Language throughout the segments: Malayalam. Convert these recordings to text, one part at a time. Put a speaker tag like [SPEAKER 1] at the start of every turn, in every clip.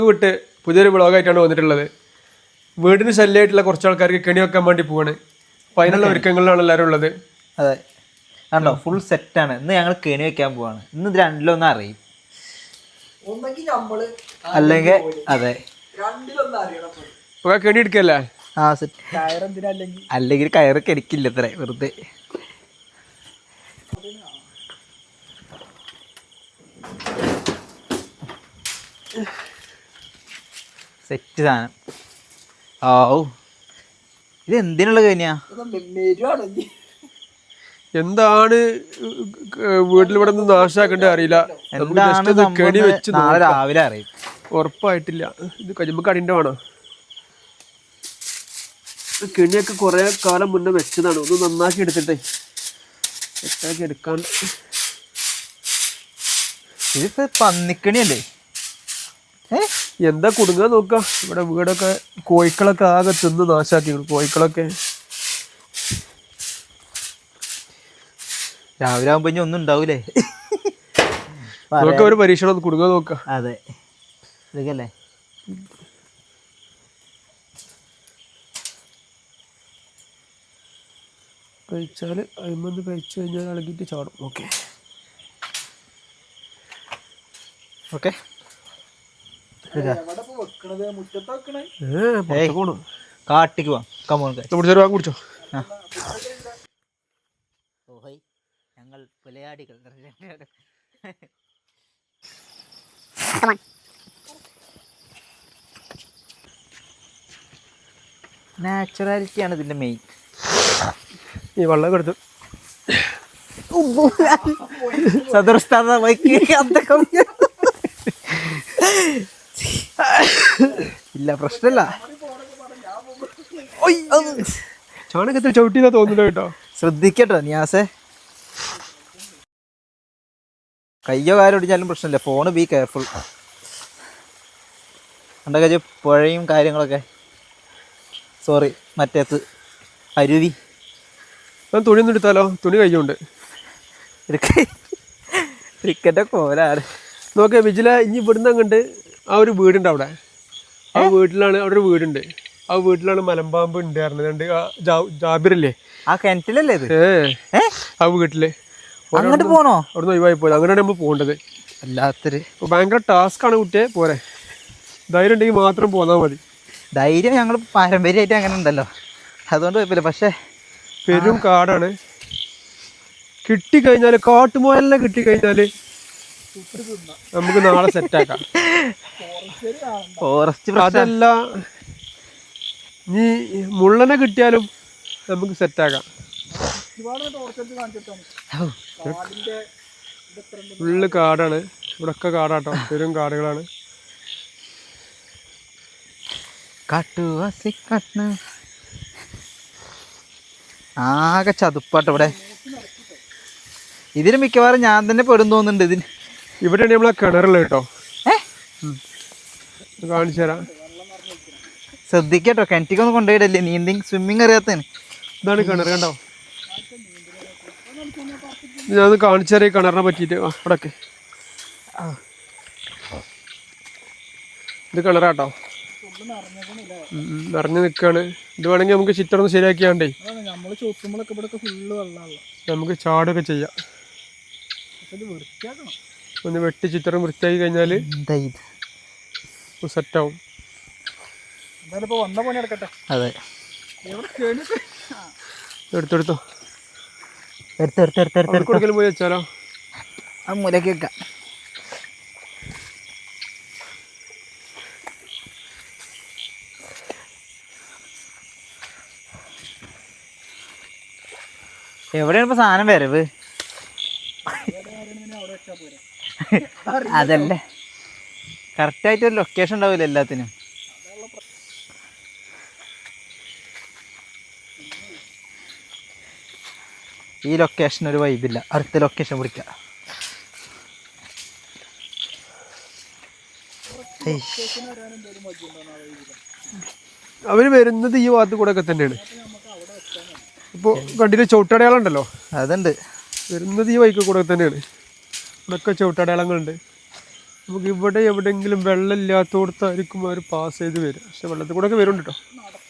[SPEAKER 1] വിട്ട് പുതിയൊരു വ്ളോഗായിട്ടാണ് വന്നിട്ടുള്ളത്. വീടിന് ശല്യമായിട്ടുള്ള കുറച്ച് ആൾക്കാർക്ക് കെണി വെക്കാൻ വേണ്ടി പോവാണ്. അപ്പോൾ അതിനുള്ള ഒരുക്കങ്ങളിലാണ് എല്ലാവരും ഉള്ളത്.
[SPEAKER 2] അതെ, കണ്ടോ, ഫുൾ സെറ്റാണ്. ഇന്ന് ഞങ്ങൾ കെണി വെക്കാൻ പോവാണ്. ഇന്ന് ഇത് രണ്ടിലൊന്നും അറിയും, അല്ലെങ്കിൽ അതെ
[SPEAKER 1] കെണി എടുക്കല്ലേ.
[SPEAKER 2] ആ സെറ്റ്, അല്ലെങ്കിൽ കയറ് കെണിക്കില്ല ഇത്ര വെറുതെ. സെറ്റ് സാധനം. ഓ, ഇത് എന്തിനുള്ള കെണിയാ?
[SPEAKER 1] എന്താണ് വീട്ടിൽ ഇവിടെ നിന്ന് നാശാക്കണ്ടേ അറിയില്ല. കെണി വെച്ച്
[SPEAKER 2] നാളെ രാവിലെ അറിയും.
[SPEAKER 1] ഉറപ്പായിട്ടില്ല. ഇത് കഴിയുമ്പോൾ കടിൻ്റെ വേണം. കെണിയൊക്കെ കുറെ കാലം മുന്നേ വെച്ചതാണ്. ഒന്ന് നന്നാക്കി എടുത്തിട്ടേ സെറ്റാക്കി എടുക്കാണ്ട്.
[SPEAKER 2] ഇതിപ്പോ പന്നിക്കണിയല്ലേ?
[SPEAKER 1] എന്താ കുടുങ്ങാൻ നോക്കാം. ഇവിടെ വീടൊക്കെ കോഴിക്കളൊക്കെ ആകെ തിന്ന് നാശാക്കി. കോഴിക്കളൊക്കെ
[SPEAKER 2] രാവിലെ ആകുമ്പോ ഇനി ഒന്നും ഉണ്ടാവൂലേ?
[SPEAKER 1] ഒരു പരീക്ഷണം ഒന്ന് കുടുങ്ങാൻ നോക്കാം.
[SPEAKER 2] അതെ, ഇതൊക്കെയല്ലേ
[SPEAKER 1] കഴിച്ചാല് അയിമന്ന് കഴിച്ചു കഴിഞ്ഞാൽ ഇളകിയിട്ട് ചാടും. Okay
[SPEAKER 2] okay. കാട്ടിക്ക് പോവാം.
[SPEAKER 1] കുടിച്ചോ.
[SPEAKER 2] ഞങ്ങൾ പുലയാടികൾ. നാച്ചുറാലിറ്റിയാണ് ഇതിന്റെ മെയിൻ.
[SPEAKER 1] ഈ വെള്ളം എടുത്ത്
[SPEAKER 2] ഇല്ല, പ്രശ്നമില്ല.
[SPEAKER 1] ചാണകത്തിൽ ചവിട്ടിന്നാ തോന്നുന്നു കേട്ടോ.
[SPEAKER 2] ശ്രദ്ധിക്കട്ടോ നിയാസെ, കയ്യോ കാര്യം ഒടിഞ്ഞാലും പ്രശ്നമില്ല. Phone be careful. കണ്ടോ പുഴയും കാര്യങ്ങളൊക്കെ. സോറി, മറ്റേത്ത് അരുവി.
[SPEAKER 1] തുണി ഒന്നും എടുത്താലോ? തുണി കയ്യുണ്ട്.
[SPEAKER 2] ക്രിക്കറ്റ് കോലാണ്.
[SPEAKER 1] നോക്കേ വിജില, ഇനി ഇവിടുന്ന് അങ്ങോട്ട് ആ ഒരു വീടുണ്ട്. അവിടെ ആ വീട്ടിലാണ്, അവിടെ ഒരു വീടുണ്ട്. ആ വീട്ടിലാണ് മലമ്പാമ്പ് ഉണ്ടായിരുന്നത്. ജാബിറില്ലേ,
[SPEAKER 2] ആ കിണറ്റിലല്ലേ ഇത്?
[SPEAKER 1] ആ വീട്ടില്
[SPEAKER 2] അങ്ങോട്ട് പോണോ?
[SPEAKER 1] അവിടുന്ന് ഒഴിവായി പോയത്. അങ്ങനെയാണ് നമ്മൾ പോകേണ്ടത്.
[SPEAKER 2] അല്ലാത്തൊരു
[SPEAKER 1] ഭയങ്കര ടാസ്ക് ആണ് കുട്ടിയെ. പോരെ, ധൈര്യം ഉണ്ടെങ്കിൽ മാത്രം പോന്നാൽ മതി.
[SPEAKER 2] ധൈര്യം ഞങ്ങൾ പാരമ്പര്യമായിട്ട് അങ്ങനെ ഉണ്ടല്ലോ, അതുകൊണ്ട് കുഴപ്പമില്ല. പക്ഷെ
[SPEAKER 1] പെരും കാടാണ്. കിട്ടിക്കഴിഞ്ഞാല് കാട്ടുമുയലിനെ കിട്ടിക്കഴിഞ്ഞാല് നമുക്ക് നാളെ സെറ്റാക്കാം.
[SPEAKER 2] ഫോറസ്റ്റ്
[SPEAKER 1] അതല്ല, നീ മുള്ളനെ കിട്ടിയാലും നമുക്ക് സെറ്റാക്കാം. ഫുള്ള് കാടാണ് ഇവിടൊക്കെ. കാടാട്ടോ, പെരും കാടുകളാണ്.
[SPEAKER 2] ആകെ ചതുപ്പാട്ടോ ഇവിടെ. ഇതിന് മിക്കവാറും ഞാൻ തന്നെ പെടും തോന്നുന്നുണ്ട്. ഇതിന്
[SPEAKER 1] ഇവിടെയാണ് നമ്മളെ കിണറുള്ള കേട്ടോ. കാണിച്ചു തരാം.
[SPEAKER 2] ശ്രദ്ധിക്കട്ടോ, കിണറ്റിക്കൊന്നും കൊണ്ടുപോയിടല്ലേ. നീന്തി സ്വിമ്മിങ് അറിയാത്തതാണ്.
[SPEAKER 1] ഇതാണ് കിണർ, കണ്ടോ? ഞാനത് കാണിച്ചു തരാം കിണറിനെ പറ്റിയിട്ട്. അവിടൊക്കെ ഇത് കിണറാട്ടോ, നിറഞ്ഞു നിൽക്കുകയാണ്. ഇത് വേണമെങ്കിൽ നമുക്ക് ചുറ്റൊന്ന് ശരിയാക്കിയാണ്ടേ നമുക്ക് ചാടൊക്കെ ചെയ്യാം. ഒന്ന് വെട്ടി ചിത്രം വൃത്തിയാക്കി കഴിഞ്ഞാൽ സെറ്റാവും.
[SPEAKER 2] അതെ,
[SPEAKER 1] എടുത്തെടുത്തോ.
[SPEAKER 2] എടുത്തെടുത്തെടുത്തെടുത്ത്
[SPEAKER 1] കൊടുക്കലും പോയി വെച്ചാലോ?
[SPEAKER 2] ആ മൂലക്ക് വെക്കാം. എവിടെയാണ് ഇപ്പൊ സാധനം വരവ്? അതല്ലേ, കറക്റ്റായിട്ട് ഒരു ലൊക്കേഷൻ ഉണ്ടാവില്ല എല്ലാത്തിനും. ഈ ലൊക്കേഷൻ ഒരു വൈബില്ല, അടുത്ത ലൊക്കേഷൻ പിടിക്കാം.
[SPEAKER 1] അവര് വരുന്നത് ഈ ഭാഗത്ത് കൂടെ ഒക്കെ തന്നെയാണ്. ഇപ്പോൾ കണ്ടിട്ട് ചവിട്ടടയാളുണ്ടല്ലോ,
[SPEAKER 2] അതുണ്ട്.
[SPEAKER 1] വരുന്നത് ഈ വൈക്ക് കൂടെ തന്നെയാണ്. ഇവിടെയൊക്കെ ചവിട്ടടയാളങ്ങളുണ്ട്. നമുക്ക് ഇവിടെ എവിടെയെങ്കിലും വെള്ളം ഇല്ലാത്തടത്തായിരിക്കും അവർ പാസ് ചെയ്ത് വരും. പക്ഷെ വെള്ളത്തിൽ കൂടെ ഒക്കെ വരുന്നുണ്ട് കേട്ടോ.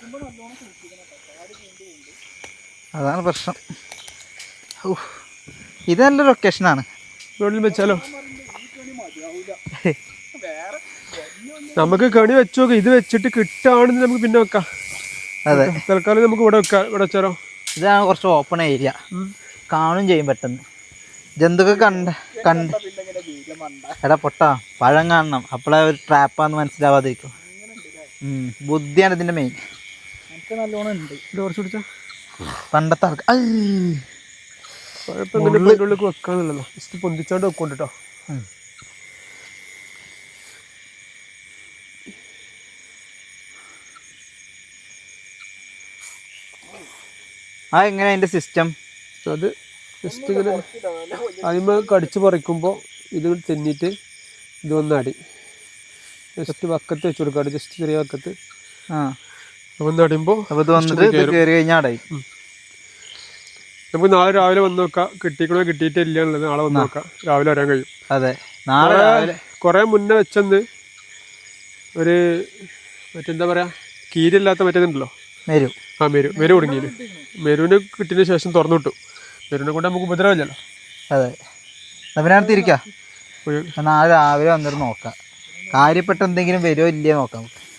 [SPEAKER 2] അതാണ് പ്രശ്നം. ഇത് നല്ലൊരു ലൊക്കേഷനാണ്.
[SPEAKER 1] വെള്ളം വെച്ചാലോ നമുക്ക് കണി വെച്ച് നോക്കാം. ഇത് വെച്ചിട്ട് കിട്ടുകയാണെന്ന് നമുക്ക് പിന്നെ വെക്കാം.
[SPEAKER 2] അതെ,
[SPEAKER 1] തൽക്കാലം നമുക്ക് ഇവിടെ വെക്കാം. ഇവിടെ വെച്ചാലോ?
[SPEAKER 2] ഇതാണ് കുറച്ച് ഓപ്പൺ ഏരിയ, കാണും ചെയ്യും പെട്ടെന്ന്. ജന്തുക്കൾ കണ്ട് എടാ പൊട്ടാ പഴം കാണണം, അപ്പോഴേ ഒരു ട്രാപ്പാന്ന് മനസ്സിലാവാതിരിക്കും. ബുദ്ധിയാണ് ഇതിൻ്റെ മെയിൻ.
[SPEAKER 3] നല്ലോണം ഉണ്ട്.
[SPEAKER 1] കുറച്ച് പിടിച്ചാ
[SPEAKER 2] പണ്ടത്തെ ആൾക്ക്
[SPEAKER 1] ഉള്ളിലേക്ക് വെക്കാന്നുള്ളതോ. ജസ്റ്റ് പൊന്തിച്ചാണ്ട് വെക്കൊണ്ട് കേട്ടോ.
[SPEAKER 2] എങ്ങനെ അതിൻ്റെ സിസ്റ്റം?
[SPEAKER 1] അത് ജസ്റ്റ് ഇങ്ങനെ അതിന്മേൽ കടിച്ച് പറിക്കുമ്പോൾ ഇത് തെന്നിയിട്ട് ഇത് വന്നടി ജസ്റ്റ് വക്കത്ത് വെച്ച് കൊടുക്കാറ്. ജസ്റ്റ് ചെറിയ വക്കത്ത് വന്നടിയുമ്പോൾ
[SPEAKER 2] അപ്പോൾ ഇത് വന്നിട്ട് കയറി കഴിഞ്ഞാൽ അടയും.
[SPEAKER 1] നമുക്ക് നാളെ രാവിലെ വന്ന് നോക്കാം. കിട്ടിക്കണോ കിട്ടിയിട്ടില്ല എന്നുള്ളത് നാളെ വന്ന് നോക്കാം. രാവിലെ വരാൻ കഴിയും.
[SPEAKER 2] അതെ, നാളെ രാവിലെ
[SPEAKER 1] കുറേ മുന്നേ വെച്ചെന്ന് ഒരു മറ്റെന്താ പറയുക, കീരില്ലാത്ത മറ്റേതുണ്ടല്ലോ,
[SPEAKER 2] മെരു.
[SPEAKER 1] മെരു കുടുങ്ങിയത്. മെരുവിന് കിട്ടിയതിന് ശേഷം തുറന്നു വിട്ടു. മെരുവിനെ കൊണ്ട് നമുക്ക് ഉപദ്രവമില്ലല്ലോ.
[SPEAKER 2] അതെ, അതിനകത്ത് ഇരിക്കാം. നാളെ രാവിലെ വന്നിട്ട് നോക്കാം. കാര്യപ്പെട്ട എന്തെങ്കിലും വരുമോ ഇല്ലയോ നോക്കാം.